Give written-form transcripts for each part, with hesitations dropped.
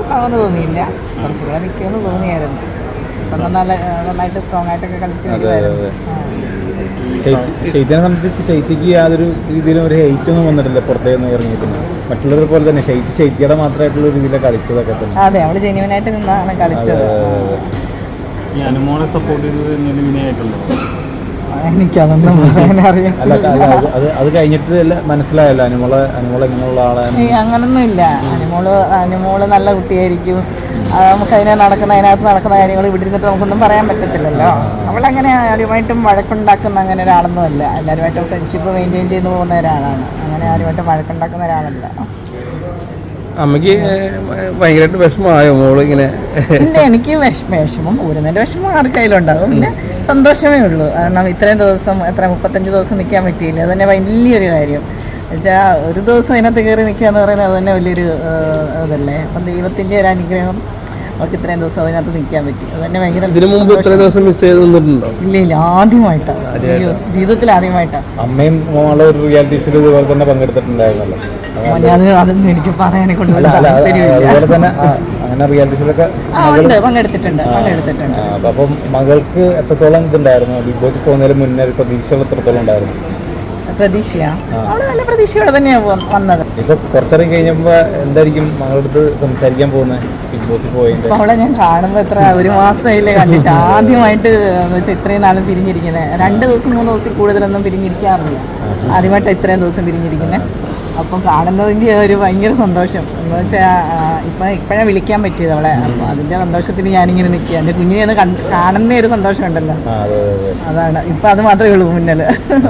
ആവുമെന്ന് തോന്നിയില്ല, കുറച്ചുകൂടെ നിൽക്കുമെന്ന് തോന്നിയായിരുന്നു. അപ്പം നന്നായിട്ട് സ്ട്രോങ് ആയിട്ടൊക്കെ കളിച്ച് വരുമായിരുന്നു. ശൈത്യനെ സംബന്ധിച്ച് ശൈത്യക്ക് യാതൊരു രീതിയിലും ഒരു ഹെയ്റ്റ് ഒന്നും വന്നിട്ടില്ല പുറത്തേന്ന് ഇറങ്ങിയിട്ടുണ്ട്. മറ്റുള്ളവരെ പോലെ തന്നെ ശൈത്യയുടെ മാത്രമായിട്ടുള്ള രീതിയിലാണ് കളിച്ചതൊക്കെ തന്നെ. അതെ, അവള് ജെന്യുവനായിട്ട് നിന്നാണ് കളിച്ചത്. ഈ അനുമോളെ സപ്പോർട്ട് ചെയ്തത് വിനയായിട്ടുണ്ടോ? എനിക്കതൊന്നും പറയാനറിയാം. അല്ല അത് കഴിഞ്ഞിട്ട് മനസ്സിലായല്ലോ അനുമോൾ ഇങ്ങനെയുള്ള ആളാണ്. അങ്ങനൊന്നും ഇല്ല. അനുമോള് നല്ല കുട്ടിയായിരിക്കും. നമുക്ക് അതിനകത്ത് നടക്കുന്ന കാര്യങ്ങൾ ഇവിടെ ഇരുന്നിട്ട് നമുക്കൊന്നും പറയാൻ പറ്റത്തില്ലല്ലോ. അവളങ്ങനെ ആരുമായിട്ടും വഴക്കുണ്ടാക്കുന്ന അങ്ങനെ ഒരാളൊന്നും അല്ല. എല്ലാവരുമായിട്ടും ഫ്രണ്ട്ഷിപ്പ് മെയിൻറ്റെയിൻ ചെയ്ത് പോകുന്ന ഒരാളാണ്. അങ്ങനെ ആരുമായിട്ടും വഴക്കുണ്ടാക്കുന്ന ഒരാളല്ല. അമ്മയ്ക്ക് ഭയങ്കരമായിട്ട് വിഷമമായോ മോള് ഇങ്ങനെ? ഇല്ല, എനിക്ക് വിഷമം ഊരുന്നതിൻ്റെ വിഷമം ആർക്കായാലുണ്ടാവും. പിന്നെ സന്തോഷമേ ഉള്ളൂ. കാരണം ഇത്രയും ദിവസം 35 ദിവസം നിൽക്കാൻ പറ്റിയില്ല. അത് തന്നെ വലിയൊരു കാര്യം. എന്നുവെച്ചാൽ ഒരു ദിവസം അതിനകത്ത് കയറി നിൽക്കുക എന്ന് പറയുന്നത് അത് തന്നെ വലിയൊരു ഇതല്ലേ. അപ്പം ദൈവത്തിൻ്റെ ഒരു അനുഗ്രഹം അവർക്ക് ഇത്രയും ദിവസം അതിനകത്ത് നിൽക്കാൻ പറ്റി. അത് തന്നെ ഭയങ്കര. ഇതിനു മുമ്പ് ഇത്രയും ദിവസം മിസ് ചെയ്ത് നിന്നിട്ടുണ്ടോ? ഇല്ല, ആദ്യമായിട്ടാണ്, ജീവിതത്തിൽ ആദ്യമായിട്ടാണ്. അമ്മയും മോളെ ഒരു റിയാലിറ്റി ഷോയിൽ ഇതുപോലെ തന്നെ പങ്കെടുത്തിട്ടുണ്ടായിരുന്നല്ലോ. അതൊന്നും എനിക്ക് പറയാനെ കൊണ്ട് അതുപോലെ തന്നെ അങ്ങനെ റിയാലിറ്റി ഷോയിലൊക്കെ പങ്കെടുത്തിട്ടുണ്ട്. അപ്പം മകൾക്ക് എത്രത്തോളം ഇതുണ്ടായിരുന്നു? ബിഗ് ബോസ് പോകുന്നതിന് മുന്നേ പ്രതീക്ഷകൾ എത്രത്തോളം ഉണ്ടായിരുന്നു? പ്രതീക്ഷയാ? അവള് നല്ല പ്രതീക്ഷയോടെ തന്നെയാണ് വന്നത്. ഇപ്പൊ പുറത്തിറങ്ങി കഴിഞ്ഞപ്പോ എന്തായിരിക്കും മകളടുത്ത് സംസാരിക്കാൻ പോകുന്നത് ബിഗ് ബോസിൽ പോയി? അവളെ ഞാൻ കാണുമ്പോ ഒരു മാസമായില്ലേ കണ്ടിട്ട്. ആദ്യമായിട്ട് ഇത്രയും നാളും പിരിഞ്ഞിരിക്കുന്നത് 2 ദിവസം 3 ദിവസം കൂടുതലൊന്നും പിരിഞ്ഞിരിക്കാറില്ല. ആദ്യമായിട്ട് ഇത്രയും ദിവസം പിരിഞ്ഞിരിക്കുന്നത്. അപ്പം കാണുന്നതിൻ്റെ ഒരു ഭയങ്കര സന്തോഷം എന്ന് വെച്ചാൽ ഇപ്പോഴാണ് വിളിക്കാൻ പറ്റിയത് അവളെ. അപ്പോൾ അതിൻ്റെ സന്തോഷത്തിന് ഞാനിങ്ങനെ നിൽക്കുക. എൻ്റെ കുഞ്ഞിനെ ഒന്ന് കാണുന്ന ഒരു സന്തോഷം ഉണ്ടല്ലോ, അതാണ്. ഇപ്പം അത് മാത്രമേ ഉള്ളൂ മുന്നിൽ.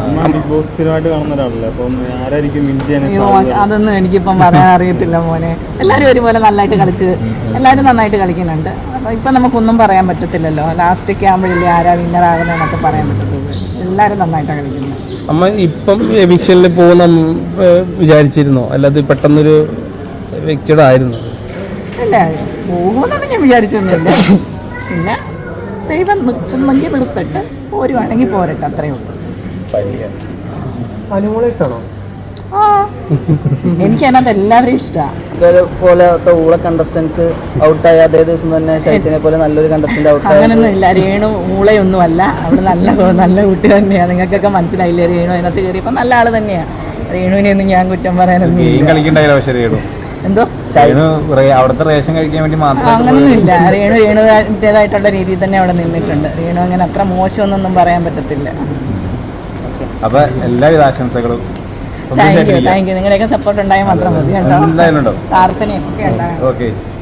അതൊന്നും എനിക്കിപ്പം പറയാൻ അറിയത്തില്ല മോനെ. എല്ലാവരും ഒരുപോലെ നന്നായിട്ട് കളിച്ച് എല്ലാവരും നന്നായിട്ട് കളിക്കുന്നുണ്ട്. അപ്പോൾ ഇപ്പം നമുക്കൊന്നും പറയാൻ പറ്റത്തില്ലല്ലോ. ലാസ്റ്റൊക്കെ ആകുമ്പോഴില്ലേ ആരാ വിന്നറാകുന്നതെന്നൊക്കെ പറയാൻ പറ്റത്തുള്ളൂ. എല്ലാവരും നന്നായിട്ടാണ് കളിക്കുന്നത്. അമ്മ ഇപ്പം എവിക്ഷനിൽ പോകുന്ന വിചാരിച്ചിരുന്നോ? അല്ലാതെ പെട്ടെന്നൊരു വ്യക്തിയുടെ ആയിരുന്നു? അല്ല, പോകുമെന്നൊന്നും ഞാൻ വിചാരിച്ചൊന്നുമില്ല. പിന്നെ ദൈവം നിർത്തുന്നെങ്കിൽ നിർത്തിട്ട് പോരുവാണെങ്കിൽ പോരട്ടെ, അത്രയേ ഉള്ളൂ. ആ, എനിക്ക് അതിനകത്ത് എല്ലാവരെയും ഇഷ്ടമാണ്. പോലത്തെ ഊള കണ്ടസ്റ്റൻസ് ഔട്ടായി അതേ ദിവസം തന്നെ ശൈത്യനെ പോലെ നല്ലൊരു കണ്ടസ്റ്റന്റ് ഔട്ടായി. അങ്ങനൊന്നും ഇല്ല. രേണു ഊളയൊന്നും അല്ല. അവള് നല്ല കുട്ടി തന്നെയാണ്. നിങ്ങൾക്കൊക്കെ മനസ്സിലായില്ലേ? രേണു അതിനകത്ത് കയറിയപ്പോൾ നല്ല ആള് തന്നെയാണ്. രേണുവിനെ ഒന്നും ഞാൻ കുറ്റം പറയാനൊന്നും എന്തോ അവിടുത്തെ റേഷൻ കഴിക്കാൻ വേണ്ടി മാത്രം അങ്ങനൊന്നുമില്ല. രേണുവിൻ്റെതായിട്ടുള്ള രീതിയിൽ തന്നെ അവിടെ നിന്നിട്ടുണ്ട്. രേണു അങ്ങനെ അത്ര മോശമൊന്നും പറയാൻ പറ്റത്തില്ല. അപ്പൊ എല്ലാവിധ ആശംസകളും. Thank you. നിങ്ങളുടെയൊക്കെ സപ്പോർട്ട് ഉണ്ടായാൽ മാത്രം മതി കേട്ടോ. പ്രാർത്ഥനയൊക്കെ ഉണ്ടാകും. ഓക്കെ.